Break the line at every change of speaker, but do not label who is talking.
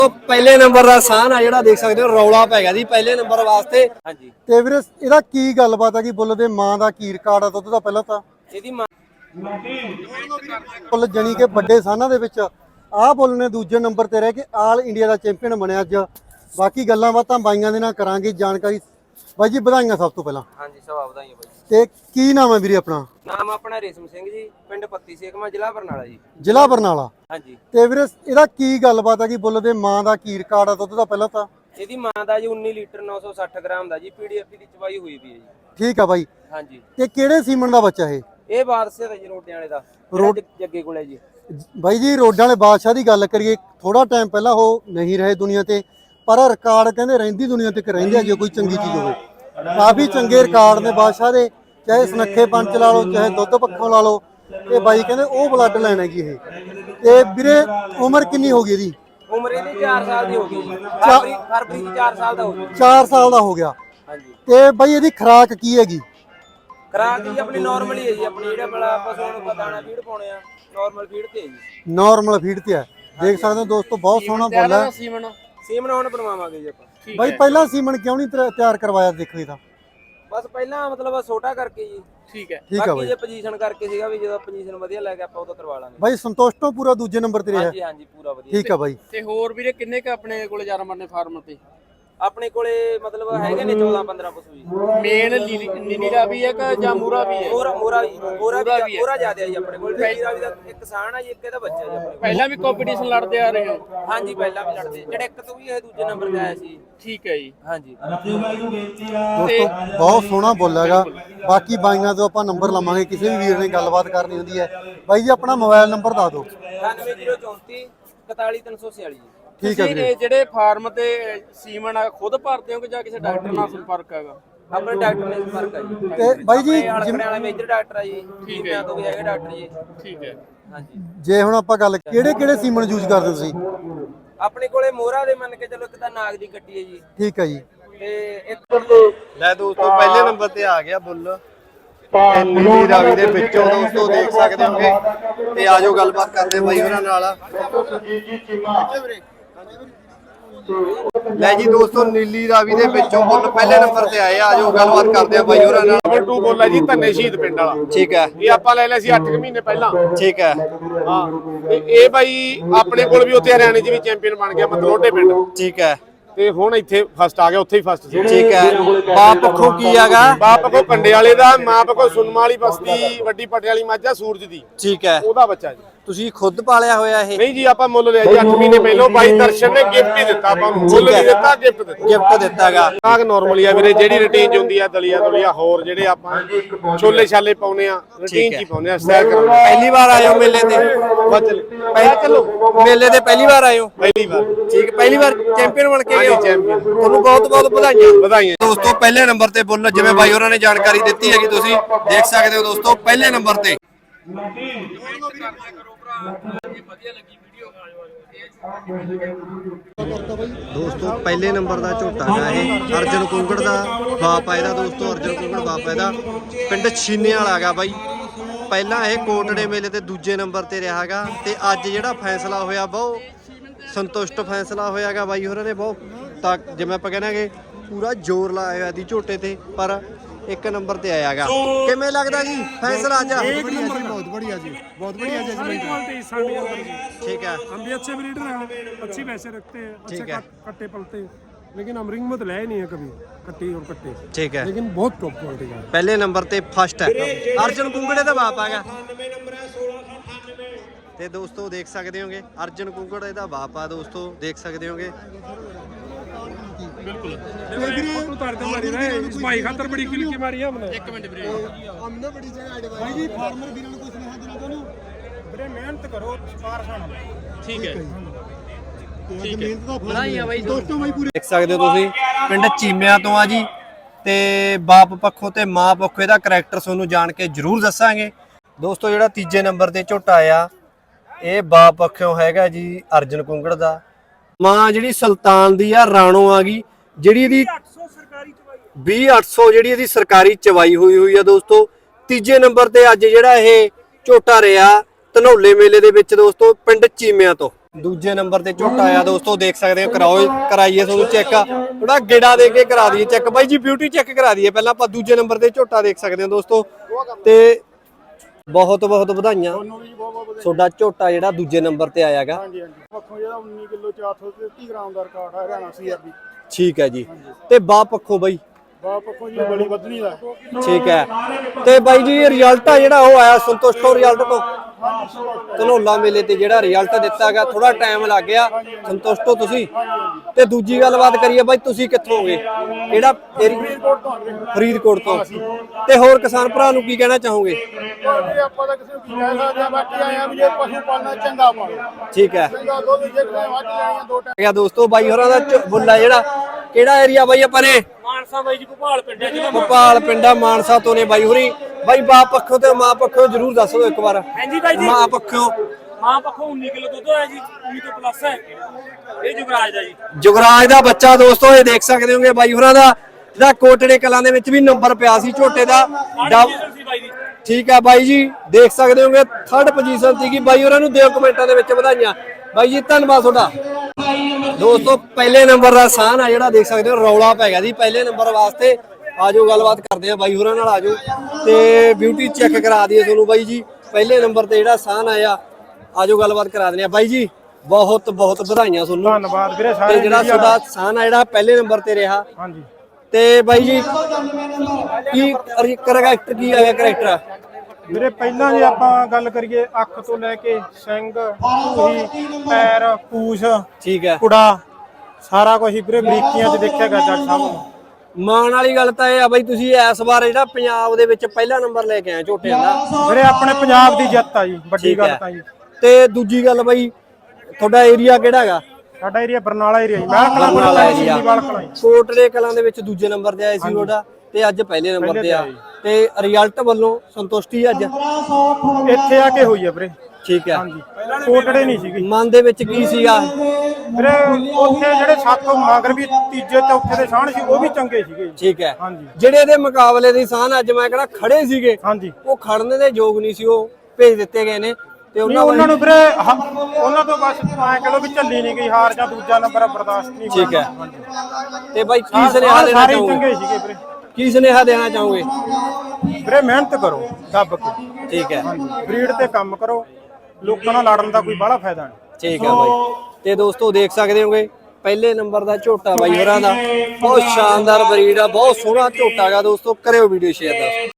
तो पहले नंबर का सान है जिहड़ा देख सकते हो रौला पै गया जी पहले नंबर वास्ते।
हाँ जी
ਤੇ ਵੀਰੇ ਇਹਦਾ ਕੀ ਗੱਲਬਾਤ ਹੈ ਕਿ ਬੁੱਲ ਦੇ ਮਾਂ ਦਾ ਕੀ ਰਿਕਾਰਡ ਆ ਦੁੱਧ ਦਾ ਪਹਿਲਾਂ ਤਾਂ
ਇਹਦੀ ਮਾਂ
ਬੁੱਲ ਜਣੀ ਕਿ ਵੱਡੇ ਸਾਨਾਂ ਦੇ ਵਿੱਚ ਆਹ ਬੁੱਲ ਨੇ ਦੂਜੇ ਨੰਬਰ ਤੇ ਰਹਿ ਕੇ ਆਲ ਇੰਡੀਆ ਦਾ ਚੈਂਪੀਅਨ ਬਣਿਆ ਅੱਜ। ਬਾਕੀ ਗੱਲਾਂ ਬਾਤਾਂ ਬਾਈਆਂ ਦੇ ਨਾਲ ਕਰਾਂਗੇ ਜਾਣਕਾਰੀ। ਬਾਈ ਜੀ ਵਧਾਈਆਂ ਸਭ ਤੋਂ ਪਹਿਲਾਂ।
हाँ जी सब ਵਧਾਈਆਂ ਬਾਈ।
ਤੇ ਕੀ ਨਾਮ ਹੈ ਵੀਰੇ ਆਪਣਾ?
ਨਾਮ ਆਪਣਾ ਰੇਸ਼ਮ ਸਿੰਘ ਜੀ, ਪਿੰਡ ਪੱਤੀ ਸੇਖਵਾਂ, ਜ਼ਿਲ੍ਹਾ ਬਰਨਾਲਾ ਜੀ।
ਜ਼ਿਲ੍ਹਾ ਬਰਨਾਲਾ।
ਹਾਂਜੀ
ਤੇ ਵੀਰੇ ਇਹਦਾ ਕੀ ਗੱਲਬਾਤ ਹੈ ਕਿ ਬੁੱਲ ਦੇ ਮਾਂ ਦਾ ਕੀ ਰਿਕਾਰਡ ਆ ਦੁੱਧ ਦਾ ਪਹਿਲਾਂ ਤਾਂ?
ਇਹਦੀ ਮਾਂ ਦਾ ਜੀ 19 ਲੀਟਰ 960 ਗ੍ਰਾਮ ਦਾ ਜੀ, ਪੀਡੀਐਫ ਦੀ ਚਵਾਈ ਹੋਈ ਵੀ ਹੈ ਜੀ।
ਠੀਕ ਆ ਬਾਈ।
ਹਾਂਜੀ
ਤੇ ਕਿਹੜੇ ਸੀਮਨ ਦਾ ਬੱਚਾ
ਇਹ ਬਾਦਸ਼ਾਹ ਦਾ ਜੀ, ਰੋਟਿਆਂ ਵਾਲੇ ਦਾ, ਜੱਗੇ ਕੋਲੇ ਜੀ।
ਬਾਈ ਜੀ ਰੋਡਾਂ ਵਾਲੇ ਬਾਦਸ਼ਾਹ ਦੀ ਗੱਲ ਕਰੀਏ, ਥੋੜਾ ਟਾਈਮ ਪਹਿਲਾਂ ਉਹ ਨਹੀਂ ਰਹੇ ਦੁਨੀਆ ਤੇ, ਪਰ ਰਿਕਾਰਡ ਕਹਿੰਦੇ ਰਹਿੰਦੀ ਦੁਨੀਆ ਤੇ ਰਹਿੰਦੇ ਆ ਜੇ ਕੋਈ ਚੰਗੀ ਚੀਜ਼ ਹੋਵੇ। ਕਾਫੀ ਚੰਗੇ ਰਿਕਾਰਡ ਨੇ ਬਾਦਸ਼ਾਹ ਦੇ, ਚਾਹੇ ਸੁਨੱਖੇ ਪੰਚ ਲਾ ਲਓ ਚਾਹੇ ਦੁੱਧ ਪੱਖੋਂ ਲਾ ਲਓ। ਇਹ ਬਾਈ ਕਹਿੰਦੇ ਉਹ ਬਲੱਡ ਲਾਈਨ ਹੈਗੀ ਇਹ। ਤੇ ਵੀਰੇ ਉਮਰ ਕਿੰਨੀ ਹੋ ਗਈ ਇਹਦੀ?
ਉਮਰ ਇਹਦੀ 4 ਸਾਲ ਦੀ ਹੋ ਗਈ ਜੀ, ਫਰਵਰੀ 4 ਸਾਲ ਦਾ ਹੋ ਗਿਆ।
4 ਸਾਲ ਦਾ ਹੋ ਗਿਆ।
ਹਾਂਜੀ
ਤੇ ਬਾਈ ਇਹਦੀ ਖੁਰਾਕ ਕੀ ਹੈਗੀ?
ਖੁਰਾਕ ਜੀ ਆਪਣੀ ਨਾਰਮਲ ਹੀ ਹੈ ਜੀ, ਆਪਣੀ ਜਿਹੜਾ ਬੜਾ ਪਸ਼ੂਆਂ ਨੂੰ ਦਾਣਾ ਫੀਡ ਪਾਉਣੇ ਆ ਨਾਰਮਲ ਫੀਡ ਤੇ ਹੈ ਜੀ।
ਨਾਰਮਲ ਫੀਡ ਤੇ ਹੈ। ਦੇਖ ਸਕਦੇ ਹੋ ਦੋਸਤੋ ਬਹੁਤ ਸੋਹਣਾ ਬੁੱਲ ਹੈ।
ਸੀਮਨ ਹੁਣ ਬਣਵਾਵਾਂਗੇ ਜੀ ਆਪਾਂ।
ਬਾਈ ਪਹਿਲਾਂ ਸੀਮਨ ਕਿਉਂ ਨਹੀਂ ਤਿਆਰ ਕਰਵਾਇਆ ਦੇਖੋ ਇਹਦਾ?
ਬਸ ਪਹਿਲਾਂ ਮਤਲਬ ਛੋਟਾ ਕਰਕੇ ਜੀ।
ਠੀਕ ਆ
ਬਾਕੀ
ਬਾਈ।
ਜੇ ਪੋਜੀਸ਼ਨ ਕਰਕੇ ਸੀਗਾ ਵੀ ਜਦੋਂ ਪੋਜੀਸ਼ਨ ਵਧੀਆ ਲੱਗ ਗਿਆ ਆਪਾਂ ਉਦੋਂ ਕਰਵਾ ਲਾਂਗੇ।
ਬਾਈ ਸੰਤੁਸ਼ਟ ਹੋ ਪੂਰਾ ਦੂਜੇ ਨੰਬਰ ਤੇ ਰਿਹਾ?
ਹਾਂਜੀ ਹਾਂਜੀ ਪੂਰਾ ਵਧੀਆ।
ਠੀਕ ਆ ਬਾਈ।
ਤੇ ਹੋਰ ਵੀਰੇ ਕਿੰਨੇ ਕ ਆਪਣੇ ਕੋਲੇ ਜਾਨਵਰ ਨੇ ਫਾਰਮ ਤੇ?
ਆਪਣੇ ਕੋਲੇ ਮਤਲਬ ਹੈਗੇ ਨੇ 14-15 ਪਸ਼ੂ ਜੀ।
ਮੇਨ ਨੀਰਾ ਵੀ ਹੈ ਕਿ ਜਾਂ ਮੂਰਾ ਵੀ ਹੈ?
ਮੋਰਾ ਜ਼ਿਆਦਾ ਜੀ ਆਪਣੇ ਕੋਲ। ਨੀਰਾ ਵੀ ਦਾ ਇੱਕ ਸਾਨ ਆ ਜੀ, ਇੱਕ ਇਹਦਾ ਬੱਚਾ ਜੀ ਆਪਣੇ ਕੋਲ।
ਪਹਿਲਾਂ ਵੀ ਕੰਪੀਟੀਸ਼ਨ ਲੜਦੇ ਆ ਰਹੇ ਹੋ?
ਹਾਂਜੀ ਪਹਿਲਾਂ ਵੀ ਲੜਦੇ, ਜਿਹੜੇ ਇੱਕ ਤੋਂ ਵੀ ਇਹ ਦੂਜੇ ਨੰਬਰ ਤੇ ਆਇਆ ਸੀ।
ਠੀਕ ਹੈ ਜੀ।
ਹਾਂਜੀ
ਦੋਸਤੋ ਬਹੁਤ ਸੋਹਣਾ ਬੁੱਲ ਹੈਗਾ। ਬਾਕੀ ਬਾਈਆਂ ਤੋਂ ਆਪਾਂ ਨੰਬਰ ਲਵਾਂਗੇ, ਕਿਸੇ ਵੀ ਵੀਰ ਨੇ ਗੱਲਬਾਤ ਕਰਨੀ ਹੁੰਦੀ ਹੈ। ਬਾਈ ਜੀ ਆਪਣਾ ਮੋਬਾਈਲ ਨੰਬਰ ਦੱਸ ਦਿਓ।
98034 41346 ਜੀ।
ਠੀਕ ਹੈ
ਤੁਸੀਂ
ਵੀਰੇ।
ਇਹ ਜਿਹੜੇ ਫਾਰਮ ਤੇ ਸੀਮਨ ਆ ਖੁਦ ਭਰਦੇ ਹੋ ਕਿ ਜਾਂ ਕਿਸੇ ਡਾਕਟਰ ਨਾਲ ਸੰਪਰਕ ਹੈਗਾ?
ਆਪਣੇ ਡਾਕਟਰ ਨੇ ਸੰਪਰਕ ਆ ਜੀ।
ਤੇ ਬਾਈ ਜੀ
ਆਪਣੇ ਵਾਲਾ ਮੇਜਰ ਡਾਕਟਰ ਆ ਜੀ, ਠੀਕ ਤੋਂ ਵੀ ਹੈਗੇ ਡਾਕਟਰ ਜੀ।
ਠੀਕ ਹੈ।
ਹਾਂਜੀ
ਜੇ ਹੁਣ ਆਪਾਂ ਗੱਲ ਕਿਹੜੇ ਸੀਮਨ ਯੂਜ਼ ਕਰਦੇ ਹੋ ਤੁਸੀਂ?
ਆਪਣੇ ਕੋਲੇ ਮੋਹਰਾ ਦੇ ਮੰਨ ਕੇ ਚਲੋ, ਇੱਕ ਤਾਂ ਨਾਗ ਦੀ ਕੱਟੀ ਹੈ ਜੀ,
ਠੀਕ ਹੈ ਜੀ।
ਤੇ ਇੱਕ
ਲੈ ਦੋਸਤੋ ਪਹਿਲੇ ਨੰਬਰ ਤੇ ਆ ਗਿਆ ਬੁੱਲ ਨੀਲੀ ਰਾਵੀ ਦੇ ਵਿੱਚੋਂ। ਦੋਸਤੋ ਦੇਖ ਸਕਦੇ ਹੋਗੇ ਤੇ ਆਜੋ ਗੱਲਬਾਤ ਕਰਦੇ ਬਾਈ ਹੋਰਾਂ ਨਾਲ। ਲੈ ਜੀ ਦੋਸਤੋ ਨੀਲੀ ਰਾਵੀ ਦੇ ਵਿੱਚੋਂ ਬੁੱਲ ਪਹਿਲੇ ਨੰਬਰ ਤੇ ਆਏ। ਆਜੋ ਗੱਲਬਾਤ ਕਰਦੇ ਆ ਬਾਈ ਹੋਰਾਂ ਨਾਲ।
ਨੰਬਰ 2 ਬੋਲਾ ਜੀ ਧੰਨੇ ਸ਼ਹੀਦ ਪਿੰਡ ਵਾਲਾ।
ਠੀਕ ਹੈ
ਇਹ ਆਪਾਂ ਲੈ ਲਿਆ ਸੀ 8 ਮਹੀਨੇ ਪਹਿਲਾਂ।
ਠੀਕ ਹੈ
ਹਾਂ ਤੇ ਇਹ ਬਾਈ ਆਪਣੇ ਕੋਲ ਵੀ ਉੱਥੇ ਹਰਿਆਣੇ 'ਚ ਵੀ ਚੈਂਪੀਅਨ ਬਣ ਗਿਆ, ਮਤਲੋਡੇ ਪਿੰਡ।
ਠੀਕ ਹੈ
ਤੇ ਹੁਣ ਇੱਥੇ ਫਸਟ ਆ ਗਿਆ, ਉੱਥੇ ਹੀ ਫਸਟ ਸੀ।
ਠੀਕ ਹੈ। ਬਾਪ ਪੱਖੋਂ ਕੀ ਹੈਗਾ?
ਬਾਪ ਕੋ ਕੰਡੇ ਵਾਲੇ ਦਾ, ਮਾਂ ਕੋ ਸੁਨਮਾ ਵਾਲੀ ਬਸਤੀ ਵੱਡੀ ਪਟੇ ਵਾਲੀ ਮਾਝਾ ਸੂਰਜ ਦੀ,
ਠੀਕ ਹੈ।
ਉਹਦਾ ਬੱਚਾ ਜੀ।
ਤੁਸੀਂ ਖੁਦ ਪਾਲਿਆ ਹੋਇਆ ਇਹ?
ਨਹੀਂ ਜੀ ਆਪਾਂ ਮੁੱਲ ਲਿਆ ਜੀ 8 ਮਹੀਨੇ ਪਹਿਲਾਂ। ਬਾਈ ਦਰਸ਼ਨ ਨੇ ਗਿਫਟ ਹੀ ਦਿੱਤਾ ਆਪਾਂ ਨੂੰ, ਮੁੱਲ ਨਹੀਂ ਦਿੱਤਾ, ਗਿਫਟ ਦਿੱਤਾ।
ਗਿਫਟ ਦਿੱਤਾਗਾ।
ਆਗ ਨਾਰਮਲੀ ਆ ਵੀਰੇ, ਜਿਹੜੀ ਰੂਟੀਨ 'ਚ ਹੁੰਦੀ ਆ ਦਲੀਆ ਹੋਰ ਜਿਹੜੇ ਆਪਾਂ ਛੋਲੇ ਛਾਲੇ ਪਾਉਨੇ ਆ ਰੂਟੀਨ 'ਚ ਹੀ ਪਾਉਨੇ ਆ, ਸਟਾਈਲ ਕਰਾਉਂਦੇ ਆ।
ਪਹਿਲੀ ਵਾਰ ਆਇਓ ਮੇਲੇ ਤੇ? ਮੇਲੇ ਤੇ ਪਹਿਲੀ ਵਾਰ ਆਇਓ?
ਪਹਿਲੀ ਵਾਰ।
ਠੀਕ, ਪਹਿਲੀ ਵਾਰ ਚੈਂਪੀਅਨ ਬਣ ਕੇ ਗਏ ਹੋ?
ਚੈਂਪੀਅਨ।
ਤੁਹਾਨੂੰ ਬਹੁਤ ਬਹੁਤ ਵਧਾਈਆਂ।
ਵਧਾਈਆਂ
ਦੋਸਤੋ ਪਹਿਲੇ ਨੰਬਰ ਤੇ ਬੁੱਲ, ਜਿਵੇਂ ਬਾਈ ਹੋਰਾਂ ਨੇ ਜਾਣਕਾਰੀ ਦਿੱਤੀ ਹੈਗੀ, ਤੁਸੀਂ ਦੇਖ ਸਕਦੇ ਹੋ ਦੋਸਤੋ ਪਹਿਲੇ ਨੰਬਰ ਤੇ। ਦੋਸਤੋ ਪਹਿਲੇ ਨੰਬਰ ਦਾ ਝੋਟਾ ਹੈ ਇਹ, ਅਰਜਨ ਕੁੰਗੜ ਦਾ ਬਾਪ ਆ ਇਹਦਾ। ਦੋਸਤੋ ਅਰਜਨ ਕੁੰਗੜ ਬਾਪ ਆ ਇਹਦਾ, ਪਿੰਡ ਛੀਨੇ ਵਾਲਾ ਹੈਗਾ ਬਾਈ। ਪਹਿਲਾਂ ਇਹ ਕੋਟੜੇ ਮੇਲੇ ਤੇ ਦੂਜੇ ਨੰਬਰ ਤੇ ਰਿਹਾ ਹੈਗਾ, ਤੇ ਅੱਜ ਜਿਹੜਾ ਫੈਸਲਾ ਹੋਇਆ ਬਹੁਤ ਸੰਤੁਸ਼ਟ ਫੈਸਲਾ ਹੋਇਆਗਾ ਬਾਈ ਹੋਰਾਂ ਨੇ। ਬਹੁਤ ਜਿਵੇਂ ਆਪਾਂ ਕਹਿੰਦੇ ਪੂਰਾ ਜ਼ੋਰ ਲਾਇਆ ਹੋਇਆ ਦੀ ਝੋਟੇ ਤੇ, ਪਰ ਇੱਕ ਨੰਬਰ ਤੇ ਆਇਆਗਾ। ਕਿਵੇਂ ਲੱਗਦਾ ਜੀ ਫੈਸਲਾ ਅੱਜ?
बहुत बढ़िया जी, बहुत बढ़िया जजमेंट।
ठीक है।
हम भी अच्छे ब्रीडर हैं, अच्छी भैंसे रखते हैं, अच्छे
ठीक है।
कट्टे पलते हैं, लेकिन हम रिंग में तो लाए नहीं है कभी कट्टी और कट्टे,
ठीक है।
लेकिन बहुत टॉप क्वालिटी का है।
ਪਹਿਲੇ ਨੰਬਰ ਤੇ ਫਸਟ ਹੈ ਅਰਜਨ ਕੁੰਗੜੇ ਦਾ ਬਾਪ ਹੈਗਾ। ਤੇ ਦੋਸਤੋ ਦੇਖ ਸਕਦੇ ਹੋਗੇ ਅਰਜਨ ਕੁੰਗੜ ਇਹਦਾ ਬਾਪ ਆ। ਦੋਸਤੋ ਦੇਖ ਸਕਦੇ ਹੋਗੇ।
फोटो उतार के मारी रहे, इस भाई खातर बड़ी किल की मारी है हमने। एक मिनट
हमने बड़ी जगह एडवाइस भाई जी फार्मर ਵੀਰਾਂ ਨੂੰ ਕੋਈ ਸੁਨੇਹਾ ਦੇਣਾ ਤੁਹਾਨੂੰ?
बड़े मेहनत करो, पार खाना।
ਠੀਕ ਹੈ।
ਮਿਹਨਤ ਦਾ ਫਲ
ਵਧਾਈਆਂ ਬਾਈ।
ਦੋਸਤੋ ਬਾਈ ਪੂਰੇ
ਦੇਖ ਸਕਦੇ ਹੋ ਤੁਸੀਂ ਪਿੰਡ ਚੀਮਿਆਂ ਤੋਂ ਆ ਜੀ। ਤੇ ਬਾਪ ਪੱਖੋਂ ਤੇ ਮਾਂ ਪੱਖੋਂ ਇਹਦਾ ਕਰੈਕਟਰ ਤੁਹਾਨੂੰ ਜਾਣ ਕੇ ਜ਼ਰੂਰ ਦੱਸਾਂਗੇ। ਦੋਸਤੋ ਜਿਹੜਾ ਤੀਜੇ ਨੰਬਰ ਤੇ ਝੋਟਾ ਆ ਇਹ ਬਾਪ ਪੱਖੋਂ ਹੈਗਾ ਜੀ ਅਰਜਨ ਕੁੰਗੜ ਦਾ। ਮਾਂ ਜਿਹੜੀ ਸੁਲਤਾਨ ਦੀ ਆ ਰਾਣੋ ਆ ਗਈ, ਜਿਹੜੀ ਇਹਦੀ 20-800 ਜਿਹੜੀ ਇਹਦੀ ਸਰਕਾਰੀ ਚਵਾਈ ਹੋਈ ਆ ਦੋਸਤੋ। ਤੀਜੇ ਨੰਬਰ ਤੇ ਅੱਜ ਜਿਹੜਾ ਇਹ ਝੋਟਾ ਰਿਹਾ ਧਨੌਲੇ ਮੇਲੇ ਦੇ ਵਿੱਚ ਦੋਸਤੋ, ਪਿੰਡ ਚੀਮਿਆਂ ਤੋਂ। ਦੂਜੇ ਨੰਬਰ ਤੇ ਝੋਟਾ ਆਇਆ ਦੋਸਤੋ, ਦੇਖ ਸਕਦੇ ਹੋ। ਕਰਾਈਏ ਤੁਹਾਨੂੰ ਚੈੱਕ, ਥੋੜਾ ਗੇੜਾ ਦੇ ਕੇ ਕਰਾ ਦਈਏ ਚੈੱਕ ਬਾਈ ਜੀ, ਬਿਊਟੀ ਚੈੱਕ ਕਰਾ ਦਈਏ ਪਹਿਲਾਂ ਆਪਾਂ। ਦੂਜੇ ਨੰਬਰ ਤੇ ਝੋਟਾ ਦੇਖ ਸਕਦੇ ਹੋ ਦੋਸਤੋ, ਤੇ ਬਹੁਤ ਬਹੁਤ ਵਧਾਈਆਂ ਤੁਹਾਡਾ ਝੋਟਾ ਜਿਹੜਾ ਦੂਜੇ ਨੰਬਰ ਤੇ ਆਇਆਗਾ।
ਹਾਂਜੀ ਹਾਂਜੀ ਪੱਖੋਂ ਜਿਹੜਾ 19 ਕਿਲੋ 430 ਗ੍ਰਾਮ ਦਾ ਰਿਕਾਰਡ ਹੈ ਹਰਿਆਣਾ ਸੀਆਰਬੀ।
ਠੀਕ ਹੈ ਜੀ। ਤੇ ਬਾਹ ਪੱਖੋਂ ਬਾਈ?
ਬਾਹ ਪੱਖੋਂ ਜੀ ਬੜੀ ਵਧਣੀ ਦਾ।
ਠੀਕ ਹੈ। ਤੇ ਬਾਈ ਜੀ ਰਿਜ਼ਲਟ ਆ ਜਿਹੜਾ ਉਹ ਆਇਆ, ਸੰਤੁਸ਼ਟ ਹੋ ਰਿਜ਼ਲਟ ਤੋਂ? ਧਨੌਲਾ ਮੇਲੇ ਤੇ ਜਿਹੜਾ ਰਿਜ਼ਲਟ ਦਿੱਤਾਗਾ, ਥੋੜਾ ਟਾਈਮ ਲੱਗ ਗਿਆ, ਸੰਤੁਸ਼ਟ ਹੋ ਤੁਸੀਂ? ਤੇ ਦੂਜੀ ਗੱਲਬਾਤ ਕਰੀਏ ਬਾਈ, ਤੁਸੀਂ ਕਿੱਥੋਂ ਹੋਗੇ, ਕਿਹੜਾ ਫਰੀਦਕੋਟ ਤੋਂ? ਤੇ ਹੋਰ ਕਿਸਾਨ ਭਰਾ ਨੂੰ ਕੀ ਕਹਿਣਾ ਚਾਹੋਗੇ?
ਆਪਾਂ ਤਾਂ ਕਿਸੇ ਨੂੰ ਕੀ ਕਹਿ ਸਕਦੇ ਆ, ਬਾਕੀ ਆਇਆ ਵੀ ਜੇ ਪਸ਼ੂ ਪਾਲਣਾ ਚੰਗਾ ਪਾਲੋ।
ਠੀਕ ਹੈ।
ਚੰਗਾ ਦੁੱਧ ਜੇ ਵੱਧ ਲੈਣੀਆਂ 2 ਟਾਈਮ।
ਗਿਆ ਦੋਸਤੋ ਬਾਈ ਹੋਰਾਂ ਦਾ ਬੁੱਲਾ ਜਿਹੜਾ, ਕਿਹੜਾ ਏਰੀਆ ਬਾਈ ਆਪਾਂ ਨੇ?
ਮਾਨਸਾ ਬਾਈ ਜੀ, ਭੋਪਾਲ ਪਿੰਡ ਹੈ ਜੀ।
ਭੋਪਾਲ ਪਿੰਡਾ ਮਾਨਸਾ ਤੋਂ ਨੇ ਬਾਈ ਹੋਰੀ। ਬਾਈ ਬਾਪ ਪੱਖੋਂ ਤੇ ਮਾਂ ਪੱਖੋਂ ਜਰੂਰ ਦੱਸ ਦਿਓ ਇੱਕ ਵਾਰ।
ਹਾਂਜੀ ਬਾਈ ਜੀ,
ਮਾਂ ਪੱਖੋਂ?
ਮਾਂ ਪੱਖੋਂ 19 ਕਿਲੋ ਦੁੱਧ ਹੋਇਆ ਜੀ, 19 ਤੋਂ ਪਲੱਸ ਹੈ। ਇਹ ਜੁਗਰਾਜ ਦਾ ਜੀ,
ਜੁਗਰਾਜ ਦਾ ਬੱਚਾ ਦੋਸਤੋ, ਇਹ ਦੇਖ ਸਕਦੇ ਹੋਗੇ ਬਾਈ ਹੋਰਾਂ ਦਾ, ਜਿਹੜਾ ਕੋਟੜੇ ਕਲਾਂ ਦੇ ਵਿੱਚ ਵੀ ਨੰਬਰ ਪਿਆ ਸੀ ਝੋਟੇ ਦਾ।
ਸੀ ਬਾਈ ਜੀ।
ਠੀਕ ਹੈ ਬਾਈ ਜੀ, ਦੇਖ ਸਕਦੇ ਹੋਗੇ 3rd ਪੋਜੀਸ਼ਨ ਸੀਗੀ। ਬਾਈ ਹੋਰਾਂ ਨੂੰ ਦਿਓ ਕਮੈਂਟਾਂ ਦੇ ਵਿੱਚ ਵਧਾਈਆਂ। ਬਾਈ ਜੀ ਧੰਨਵਾਦ ਤੁਹਾਡਾ। ਦੋਸਤੋ ਪਹਿਲੇ ਨੰਬਰ ਦਾ ਸਾਨ ਆ ਜਿਹੜਾ, ਦੇਖ ਸਕਦੇ ਹੋ ਰੌਲਾ ਪੈ ਗਿਆ ਸੀ ਪਹਿਲੇ ਨੰਬਰ ਵਾਸਤੇ। ਆਜੋ ਗੱਲਬਾਤ ਕਰਦੇ ਆ ਬਾਈ ਹੋਰਾਂ ਨਾਲ, ਆਜੋ ਤੇ ਬਿਊਟੀ ਚੈੱਕ ਕਰਾ ਦਈਏ ਤੁਹਾਨੂੰ ਬਾਈ ਜੀ। ਪਹਿਲੇ ਨੰਬਰ ਤੇ ਜਿਹੜਾ ਸਾਨ ਆਇਆ, ਆਜੋ ਗੱਲਬਾਤ ਕਰਾ ਦਿੰਦੇ ਆ ਬਾਈ ਜੀ। ਬਹੁਤ ਬਹੁਤ ਵਧਾਈਆਂ ਤੁਹਾਨੂੰ।
ਧੰਨਵਾਦ ਵੀਰੇ
ਤੇ
ਸਾਰੇ।
ਜਿਹੜਾ ਤੁਹਾਡਾ ਸਾਨ ਆ ਜਿਹੜਾ ਪਹਿਲੇ ਨੰਬਰ ਤੇ ਰਿਹਾ।
ਹਾਂਜੀ।
ਤੇ ਬਾਈ ਜੀ ਕੀ ਕਰੈਕਟਰ ਕੀ ਆਇਆ? ਕਰੈਕਟਰ
ਵੀਰੇ ਪਹਿਲਾਂ ਜੇ ਆਪਾਂ ਗੱਲ ਕਰੀਏ, ਅੱਖ ਤੋਂ ਲੈ ਕੇ ਸਿੰਗ, ਢੂਹੀ, ਪੈਰ, ਪੂਛ,
ਠੀਕ ਹੈ।
ਕੁੜਾ, ਸਾਰਾ ਕੁਝ ਵੀਰੇ ਬਰੀਕੀਆਂ 'ਚ ਦੇਖਿਆ ਗਿਆ ਜੱਜ ਸਾਹਿਬ ਨੂੰ।
ਮਾਣ ਵਾਲੀ ਗੱਲ ਤਾਂ ਇਹ ਆ ਬਾਈ, ਤੁਸੀਂ ਇਸ ਵਾਰ ਜਿਹੜਾ ਪੰਜਾਬ ਦੇ ਵਿੱਚ ਪਹਿਲਾ ਨੰਬਰ ਲੈ ਕੇ ਆਏ ਝੋਟਿਆਂ ਦਾ।
ਵੀਰੇ ਆਪਣੇ ਪੰਜਾਬ ਦੀ ਜਿੱਤ ਆ ਜੀ, ਵੱਡੀ ਗੱਲ ਤਾਂ ਜੀ।
ਤੇ ਦੂਜੀ ਗੱਲ ਬਾਈ, ਤੁਹਾਡਾ ਏਰੀਆ ਕਿਹੜਾ ਹੈਗਾ?
ਸਾਡਾ ਏਰੀਆ ਬਰਨਾਲਾ ਏਰੀਆ ਜੀ। ਮੈਂ ਬਰਨਾਲਾ ਏਰੀਆ
ਕੋਟੜੇ ਕਲਾਂ ਦੇ ਵਿੱਚ ਦੂਜੇ ਨੰਬਰ ਤੇ ਆਏ ਸੀ ਤੁਹਾਡਾ, ਤੇ ਅੱਜ ਪਹਿਲੇ ਨੰਬਰ ਤੇ ਆ। ਤੇ ਰਿਜ਼ਲਟ ਵੱਲੋਂ ਸੰਤੁਸ਼ਟੀ ਅੱਜ
ਇੱਥੇ ਆ ਕੇ ਹੋਈ ਆ ਵੀਰੇ।
ਠੀਕ ਹੈ।
ਹਾਂਜੀ, ਕੋਟੜੇ ਨਹੀਂ ਸੀਗੀ।
ਮਨ ਦੇ ਵਿੱਚ ਕੀ ਸੀਗਾ?
ਵੀਰੇ ਉੱਥੇ ਜਿਹੜੇ ਸਾਥੋਂ ਮਗਰ ਵੀ ਤੀਜੇ ਚੌਥੇ ਦੇ ਸਾਹਣ ਸੀ, ਉਹ ਵੀ ਚੰਗੇ ਸੀਗੇ ਜੀ।
ਠੀਕ ਹੈ।
ਹਾਂਜੀ।
ਜਿਹੜੇ ਇਹਦੇ ਮੁਕਾਬਲੇ ਦੀ ਸਾਨ ਅੱਜ ਮੈਂ ਕਹਿੰਦਾ ਖੜੇ ਸੀਗੇ,
ਹਾਂਜੀ,
ਉਹ ਖੜਨ ਦੇ ਯੋਗ ਨਹੀਂ ਸੀ, ਉਹ ਭੇਜ ਦਿੱਤੇ ਗਏ ਨੇ। ਤੇ
ਉਹਨਾਂ ਨੂੰ ਵੀਰੇ ਉਹਨਾਂ ਤੋਂ ਬਸ ਐ ਕਹੋ ਵੀ ਝੱਲੀ ਨਹੀਂ ਗਈ ਹਾਰ, ਜਾਂ ਦੂਜਾ ਨੰਬਰ ਬਰਦਾਸ਼ਤ ਨਹੀਂ ਹੋਇਆ।
ਠੀਕ ਹੈ। ਤੇ ਬਾਈ ਕੀ ਸੁਨੇਹਾ ਦੇਣਾ
ਸਾਰੇ
ਚਾਹੋਗੇ?
ਚੰਗੇ ਸੀਗੇ ਵੀਰੇ।
ਕੀ ਸੁਨੇਹਾ ਦੇਣਾ ਚਾਹੋਗੇ?
ਵੀਰੇ ਮਿਹਨਤ ਕਰੋ ਦੱਬ ਕੇ।
ਠੀਕ ਹੈ।
ਬਰੀਡ ਤੇ ਕੰਮ ਕਰੋ, ਲੋਕਾਂ ਨਾਲ ਲੜਨ ਦਾ ਕੋਈ ਬਾਹਲਾ ਫਾਇਦਾ ਨਹੀਂ।
ਠੀਕ ਹੈ ਬਾਈ। ਤੇ ਦੋਸਤੋ ਦੇਖ ਸਕਦੇ ਹੋਗੇ ਪਹਿਲੇ ਨੰਬਰ ਦਾ ਝੋਟਾ ਬਾਈ ਹੋਰਾਂ ਦਾ, ਬਹੁਤ ਸ਼ਾਨਦਾਰ ਬਰੀਡ ਆ, ਬਹੁਤ ਸੋਹਣਾ ਝੋਟਾ ਗਾ ਦੋਸਤੋ। ਕਰਿਓ ਵੀਡੀਓ ਸ਼ੇਅਰ ਦਾ।